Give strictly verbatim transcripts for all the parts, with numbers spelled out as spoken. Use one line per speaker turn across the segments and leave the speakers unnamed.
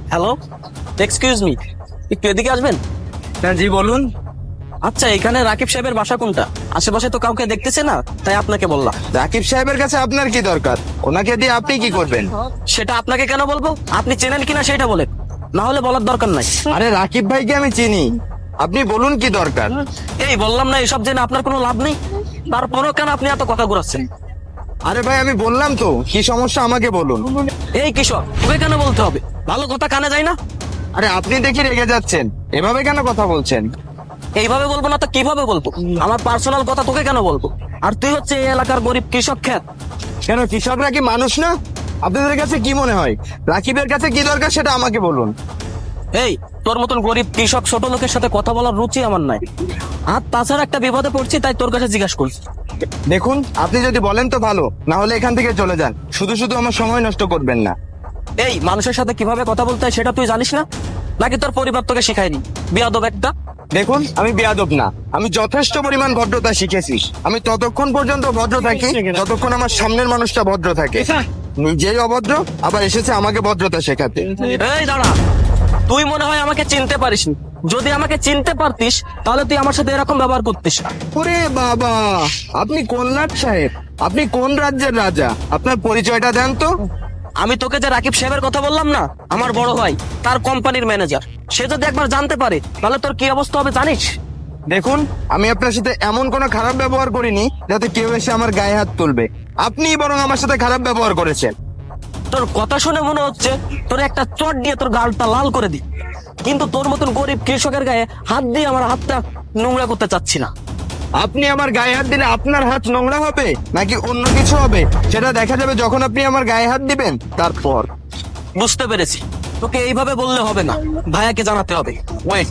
Hello, excuse me, একটু এদিকে আসবেন?
হ্যাঁ জি বলুন।
আচ্ছা, এখানে রাকিব সাহেবের বাসা কোনটা? আশেপাশে তো কাউকে দেখতেছে না, তাই আপনাকে বললাম।
রাকিব সাহেবের কাছে আপনার কি দরকার? ওনাকে দিয়ে আপনি কি করবেন?
সেটা আপনাকে কেন বলবো? আপনি চেনেন কিনা সেটা বলেন, না হলে বলার দরকার নাই।
আরে রাকিব ভাইকে আমি চিনি, আপনি বলুন কি দরকার।
এই বললাম না এসব জেনে আপনার কোনো লাভ নেই, তারপরও কেন আপনি এত কথা ঘুরাচ্ছেন?
আরে ভাই আমি বললাম তো, কি সমস্যা আমাকে বলুন।
এই কিশোর, তোকে কেন বলতে হবে? ভালো কথা কানে যায় না?
আরে আপনি দেখি রেগে যাচ্ছেন, এভাবে কেন কথা বলছেন?
এইভাবে বলবো না তো কিভাবে বলবো? আমার পার্সোনাল কথা তোকে কেন বলবো? আর তুই হচ্ছে এই এলাকার গরিব কৃষক খ্যাত।
কেন কৃষকরা কি মানুষ না? আপনাদের কাছে কি মনে হয় রাকিবের কাছে কি দরকার সেটা আমাকে বলুন।
এই, তোর মতন গরিব কৃষক ছোট লোকের সাথে কথা বলার রুচি আমার নাই। আর তাছাড়া একটা বিপদে পড়ছি, তাই তোর কাছে জিজ্ঞাসা করছি।
দেখুন আপনি যদি বলেন তো ভালো, না হলে এখান থেকে চলে যান, শুধু শুধু আমার সময় নষ্ট করবেন না।
এই, মানুষের সাথে কিভাবে কথা বলতে হয় সেটা তুই জানিস না? নাকি তোর পরিবার তোকে শিখায়নি? বিয়াদব একটা।
দেখুন আমি বেয়াদব না, আমি যথেষ্ট পরিমাণ ভদ্রতা শিখেছি। আমি ততক্ষণ পর্যন্ত ভদ্র থাকি যতক্ষণ আমার সামনের মানুষটা ভদ্র থাকে। নিজেই অভদ্র, আবার এসেছে আমাকে ভদ্রতা শেখাতে।
এই দাঁড়া, তুই মনে হয় আমাকে চিনতে পারিসনি। যদি আমাকে চিনতে পারতিস তাহলে তুই আমার সাথে এরকম ব্যবহার করতিস না।
ওরে বাবা, আপনি কোন লাট সাহেব? আপনি কোন রাজ্যের রাজা? আপনার পরিচয়টা দেন তো।
আমি তোকে যে রাকিব সাহেবের কথা বললাম না, আমার বড় ভাই, তার কোম্পানির ম্যানেজার। সে যদি একবার জানতে পারে তাহলে তোর কি অবস্থা হবে জানিস?
দেখুন আমি আপনার সাথে এমন কোনো খারাপ ব্যবহার করিনি যাতে কেউ এসে আমার গায়ে হাত তুলবে। আপনিই বরং আমার সাথে খারাপ ব্যবহার করেছেন।
তোর কথা শুনে মনে হচ্ছে তোর একটা চট দিয়ে তোর গালটা লাল করে দি, কিন্তু তোর মতন গরিব কৃষকের গায়ে হাত দিয়ে আমার হাতটা নোংরা করতে চাচ্ছি না।
আপনি আমার গায়ে হাত দিলে আপনার হাত নোংরা হবে নাকি অন্য কিছু হবে সেটা দেখা যাবে যখন আপনি আমার গায়ে হাত দিবেন তারপর।
বুঝতে পেরেছি, তোকে এইভাবে বললে হবে না, ভাইয়াকে জানাতে হবে। ওয়েট।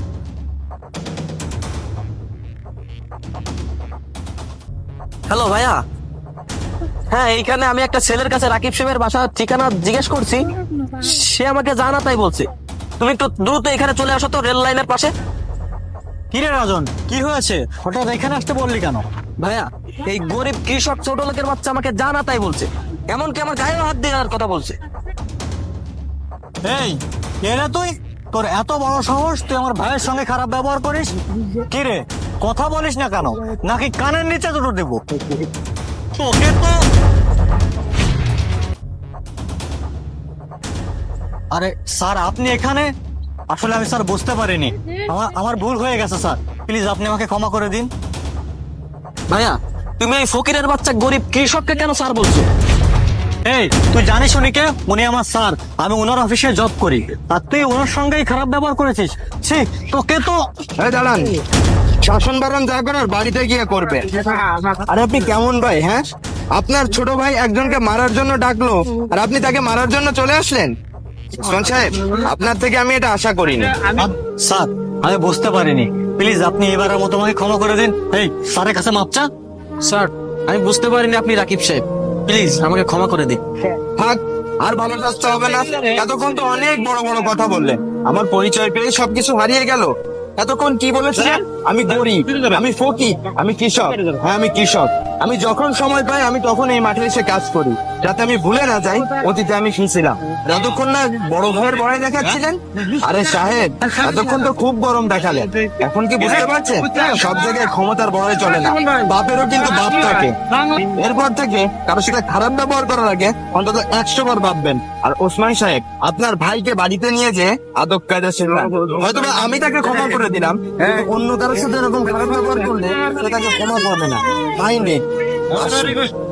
হ্যালো ভাইয়া। হ্যাঁ, এইখানে আমি একটা ছেলের কাছে রাকিব সাহেবের বাসার ঠিকানা জিজ্ঞেস করছি, সে আমাকে জানা তাই বলছে। তুমি একটু দ্রুত এখানে চলে আসো তো, রেল লাইনের পাশে।
কিরে রাজন, কি হয়েছে? হঠাৎ এখানে আসতে বললি কেন?
ভাইয়া, এই গরিব কৃষক ছোট লোকের বাচ্চা আমাকে জানা তাই বলছে, এমনকি আমার গায়ে হাত দিয়ে দেওয়ার কথা বলছে।
এই কে রে তুই? তোর এত বড় সাহস, তুই আমার ভাইয়ের সঙ্গে খারাপ ব্যবহার করিস? কিরে, কথা বলিস না কেন? নাকি কানের নিচে দুটো দেবো? তোকে তো। আরে স্যার, আপনি এখানে? আসলে আমি স্যার বুঝতে পারিনি, আমার আমার ভুল হয়ে গেছে স্যার, প্লিজ আপনি আমাকে ক্ষমা করে দিন।
ভাইয়া, তুমি এই ফকিরের বাচ্চা গরিব কৃষককে কেন স্যার বলছো?
এই তুই জানিস উনি কে? উনি আমার স্যার, আমি ওনার অফিসে জব করি, আর তুই ওনার সঙ্গেই খারাপ ব্যবহার করেছিস। ছি, তোকে তো।
এই দাঁড়ান, শাসন বারণ যা করার বাড়িতে গিয়ে করবে। আরে আপনি কেমন ভাই? হ্যাঁ, আপনার ছোট ভাই একজনকে মারার জন্য ডাকলো আর আপনি তাকে মারার জন্য চলে আসলেন? শোন সাহেব, আপনার থেকে আমি এটা আশা করিনি।
আম- স্যার, আমি বুঝতে পারিনি, প্লিজ আপনি এবারের মতো আমাকে ক্ষমা করে দিন। এই স্যারের কাছে মাপ চা।
স্যার, আমি বুঝতে পারিনি আপনি রাকিব সাহেব, প্লিজ আমাকে ক্ষমা করে দিন।
থাক, আর ভালো আসতে হবে না। এতক্ষণ তো অনেক বড় বড় কথা বললেন, আমার পরিচয় পেয়ে সবকিছু হারিয়ে গেল। এতক্ষণ কি বলেছিলেন? আমি গরিব, আমি ফকির, আমি কৃষক। হ্যাঁ আমি কৃষক। আমি যখন সময় পাই আমি তখন এই মাঠে এসে কাজ করি, যাতে আমি ভুলে না যাই অতীতে আমি কি ছিলাম। যতক্ষণ না বড় ভাইয়ের বড়াই দেখাচ্ছিলেন। আরে সাহেব, এতক্ষণ তো খুব গরম দেখালেন, এখন কি বুঝতে পারছেন সব জায়গায় ক্ষমতার বড়াই চলে না, বাপেরও কিন্তু বাপ থাকে। এরপর থেকে কারোর সাথে খারাপ ব্যবহার করার আগে অন্তত একশো বার ভাববেন। আর ওসমান সাহেব, আপনার ভাইকে বাড়িতে নিয়ে যে আদব কায়দা শিখলাম, হয়তো বা আমি তাকে ক্ষমা করে দিলাম, কিন্তু অন্য কারোর সাথে এরকম খারাপ ব্যবহার করলে সে তাকে ক্ষমা করবে না। মাইন্ডে